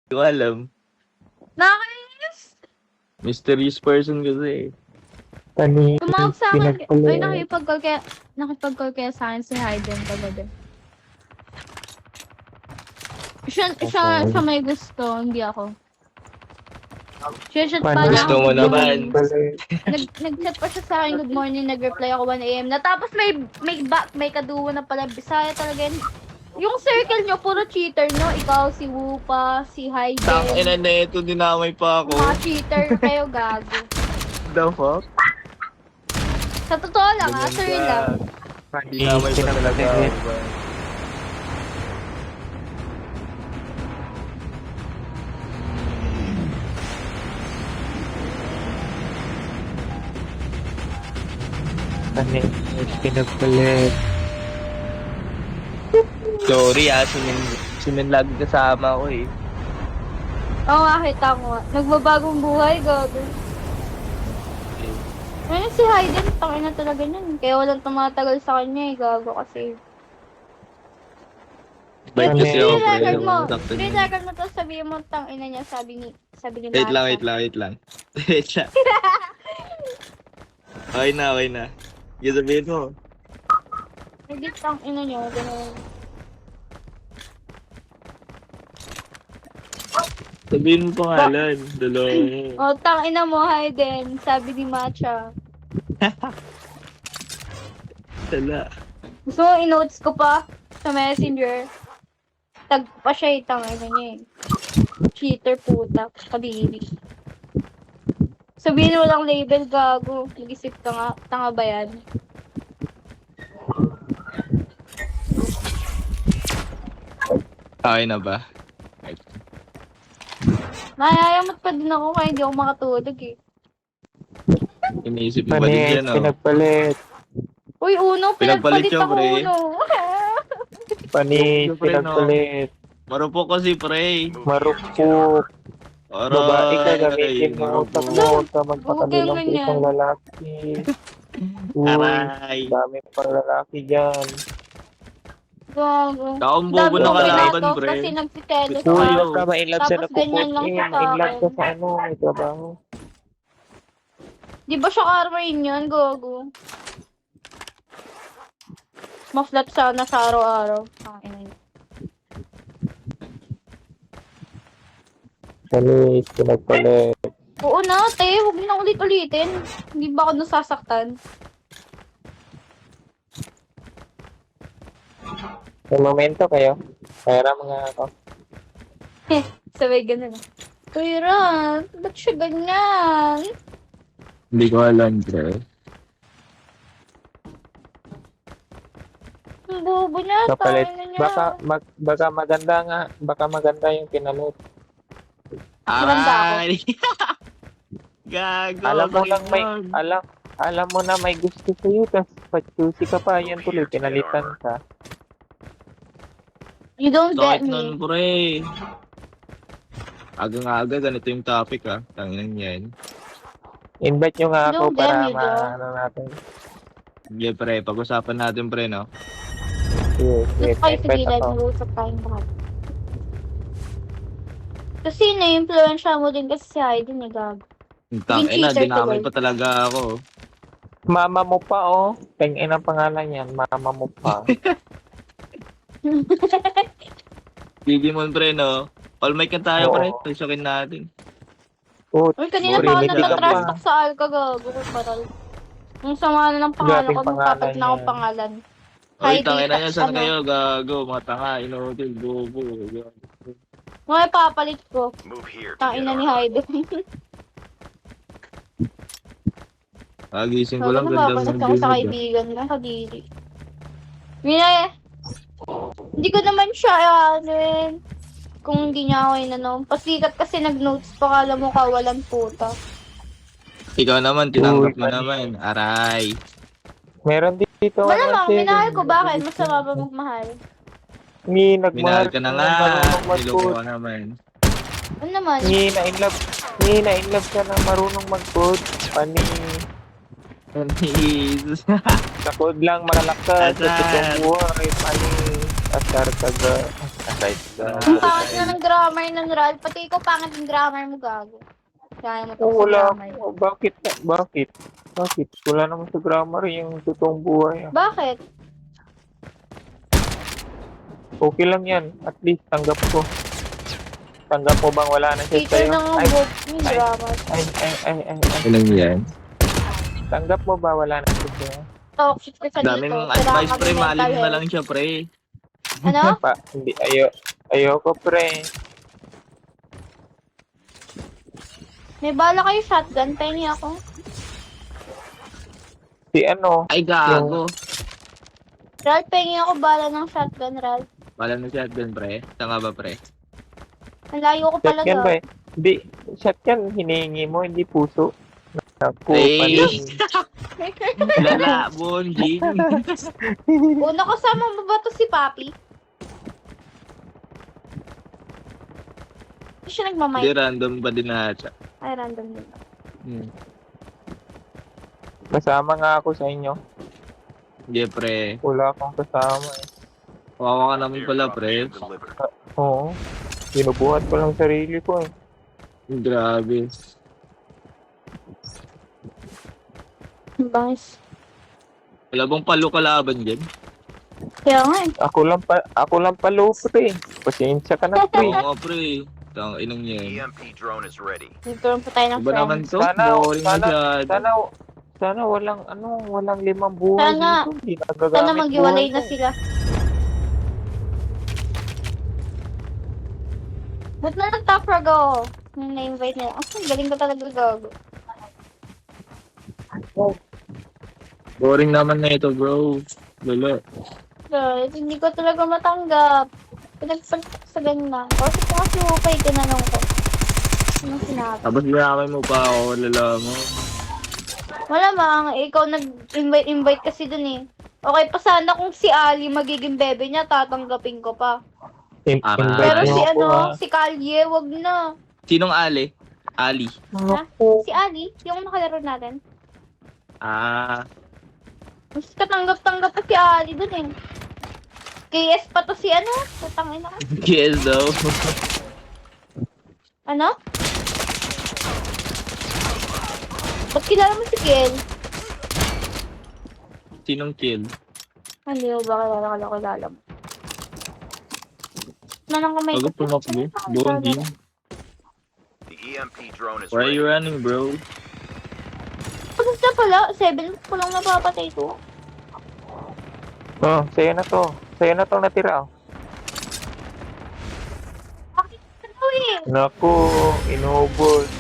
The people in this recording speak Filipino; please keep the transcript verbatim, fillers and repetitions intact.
Hindi ko alam. Nakakainis! Mysterious person kasi. Panis, Tumawag sa akin. Ay, pinagpalit. nakipag-call kaya, nakipag-call kaya sa akin si Hayden kagabi. Siya, siya, siya may gusto, hindi ako. Siya, siya pa Panis, Gusto mo naman. Nag, nag-chat pa siya sa akin, good morning, nag-reply ako one a m na. Tapos may, may back, may kaduwa na pala. Bisaya talaga yun. Yung circle nyo, puro cheater, no? Ikaw, si Wupa, si Tang Hayden. ina na ito, dinamay pa ako. Mga cheater kayo, gago. The fuck? Sa totoo lang, ha? Sir lang. Dinamay pa talaga ako. Panis, pinagpalit. Sorry ah, simin, simin lagi kasama ko eh. Oo nga, kita ko nga. Nagbabagong buhay, gago. Ayun si Hayden, tangin na talaga niyan. Kaya walang tumatagal sa kanya eh, gago kasi. Bait Ano kasi eh, ako, Screen pre. record mo. Sakto Screen niya. record mo to, sabihin mo, tangin na niya, sabi ni, sabi ni Wait lang, Mata. wait lang, wait lang. Wait lang. Okay na, okay na. Yung sabihin mo. Hindi tangin na niya, gano'n. Sabihin mo pangalan. Dalawa mo. Oh, tangin na mo, Hayden, sabi ni Matcha. Tala. Gusto mo, in-notes ko pa sa messenger. Tag pa siya, eh, tangin na niya eh. Cheater puta, kabili. Sabihin mo lang label, gago. Nag-isip ka nga, tanga ba yan? Okay na ba? Nayayamot pa din ako kaya hindi ako makatulog eh. Iniisip mo ba din Panis, yan, oh? pinagpalit. Uy, Uno, Pinagpalit pinagpalit siya, ako, pre. Uno. Panis, Siyempre, no. pinagpalit. Marupok kasi, pre. Marupok. Aray, Babae ka, gamitin mo. marupok. Utak mo, sa magpakalilang Huwag kang isang ganyan. lalaki. Uy, Aray. dami pang lalaki dyan. Gago. Taong bobo Dami ng kong kalaban, pinatos pre. kasi nagtitelos Uy, Uy, ka. huwag ka ma-inlove sa Tapos ganyan lang napuputin. siya sa In-love ka akin. sa ano, may trabaho. Di ba siya Carmine yun, Gogo? Ma-flat sana sa araw-araw. Ang ina niya. Panis, pinagpalit. Oo na, te. Huwag mo na ulit-ulitin. Hindi ba ako nasasaktan? May momento kayo. Kaya mga ako. Sabay ganun. Uy, Ran, ba't siya ganyan? Hindi ko alam, pre. Ang bobo niya, Kapalit. tayo na niya. Baka, mag, baka maganda nga. Baka maganda yung pinalot. Maganda ako. Aray. Gago. Alam mo bakit lang may, yun? alam, alam mo na may gusto sa'yo. Tapos pa-choosy ka pa. Yan tuloy, pinalitan ka. You don't get Sakit nun, me. pre. Aga-aga, ganito yung topic, ah. Tanginan yan. Invite nyo nga ako Don't get para me, bro. ma-ano natin. Sige, pre. Pag-usapan natin, pre, no? Yes, Gusto yes, kayo sa invite gilid, ako. mag-uusap tayong lahat. Kasi na-influensya mo din kasi si Hayden, eh, gago. Tang ina, cheater dinamay tuloy. pa talaga ako. Mama mo pa, oh. Tengin ang pangalan yan. Mama mo pa. Digimon, pre, no? All mic na tayo, Oo. pre. Pagsakin natin. Oh, Uy, kanina Sorry, pa ako may bigla natatrash pa. talk sa Alka, gago. Paral. Yung sama na ng pangalan Grabing ko, nung pangalan papalit na akong yan. pangalan. Oy, Heidi, tangina niya, saan ano? kayo? Gago, mga tanga, inutil, bobo. Mga papalit ko. Move here to Tain get na ni armor. Hayden. Pagising ko Sabi lang, na ganda papalit ng ako view sa mo. kaibigan ko, kadiri. Mina, hindi ko naman siya, ano yun. Kung hindi niya ako inano. Pasikat kasi nag-notes pa, kala mo kawalan puta. Ikaw naman, tinanggap Uy, mo naman. Aray. Meron dito. Malamang, ano, minahal sir. ko, bakit? Masama ba magmahal? Ni, Minahal nagmahal ka na ng nga. marunong Niloko mag-code. ka naman. Ano naman? Ni, na-inlove. Ni, na-inlove ka ng marunong mag-code. Pani, Jesus. sa code lang malalakas. Sa Asar. totoong buhay. Pani, asar ka ga. Aside sa... Ang pangit na ng grammar ng Ral. Pati ikaw pangit ng grammar mo, gago. Kaya mo to Oh, sa wala. grammar. Oh, bakit? Bakit? Bakit? Wala naman sa grammar yung totoong buhay. ah. Bakit? Okay lang yan. At least tanggap ko. Tanggap mo bang wala na siya Teacher sa'yo? ng Ay, book yung ay. grammar. ay, ay, ay, ay, ay. Ilang yan? Tanggap mo ba wala na siya sa'yo? Toxic ka sa Daming dito. advice, pre. mental Malin mo na health. lang siya, pre. Ano? Pa, hindi, ayo, ayoko pre. May bala kayo shotgun. Pengi ako. Si ano, Ay, gago. Ral, pengi ako bala ng shotgun, Ral. Wala na shotgun, pre. Tanga ba, pre? Ang layo ko pala shotgun ba daw. eh? Hindi, shotgun hinihingi mo, hindi puso. Naku, Hey. panin. Lala, bonjing. Una kasama mo ba to si Papi? Hindi siya Hindi, nagmamay. random ba din na siya? Ay, random din. Hmm. Kasama nga ako sa inyo. Hindi, pre. Wala akong kasama eh. Kawawa ka naman pala, pre. Oo. Binubuhat ko lang sarili ko eh. Grabe. Bangis. Wala bang palo kalaban dyan? Kaya nga eh. Ako lang pa, ako lang palo pre. Pasensya ka na Oo pre. nga, pre. Tang inang E yan. M P drone is ready. Nagkaroon pa tayo ng Iba naman friends. to. Sana- Boring sana- masyado. Sana, sana walang ano, walang limang buhay Sana- dito. Hindi nagagamit Sana maghiwalay buhay na ko. sila. Ba't na nag-top frag ako? Nung na-invite nila. Ang galing ko talaga gago. Boring naman na ito, bro. Lala. Guys, hindi ko talaga matanggap. Pinagpalit sa ganyan. Kasi ko kasi upay, tinanong ko. Anong sinabi? Tapos binamay mo pa ako, lala mo. Malamang, ikaw nag-invite-invite kasi dun eh. Okay pa sana kung si Ali magiging bebe niya, tatanggapin ko pa. In- Ah, invite Pero mo si ako, ano, ah. si Kalye, wag na. Sinong Ali? Ali. Si Ali, yung nakalaro natin. Ah. Mas katanggap-tanggap pa si Ali dun eh. K S pa to si ano? Tatangin na. Yes, though. Ano? Ba't kilala mo si Kiel? Sinong kill? Hindi mo ba kilala ka kilala mo? Nanang kamay Bago pumakbo. Bonding. The E M P drone is Why are ready. you running, bro? Ano na pala? Seven ko lang napapatay to. Oh, sa'yo na to. Sa'yo na to natira. oh. Bakit ito eh? Naku, inubos.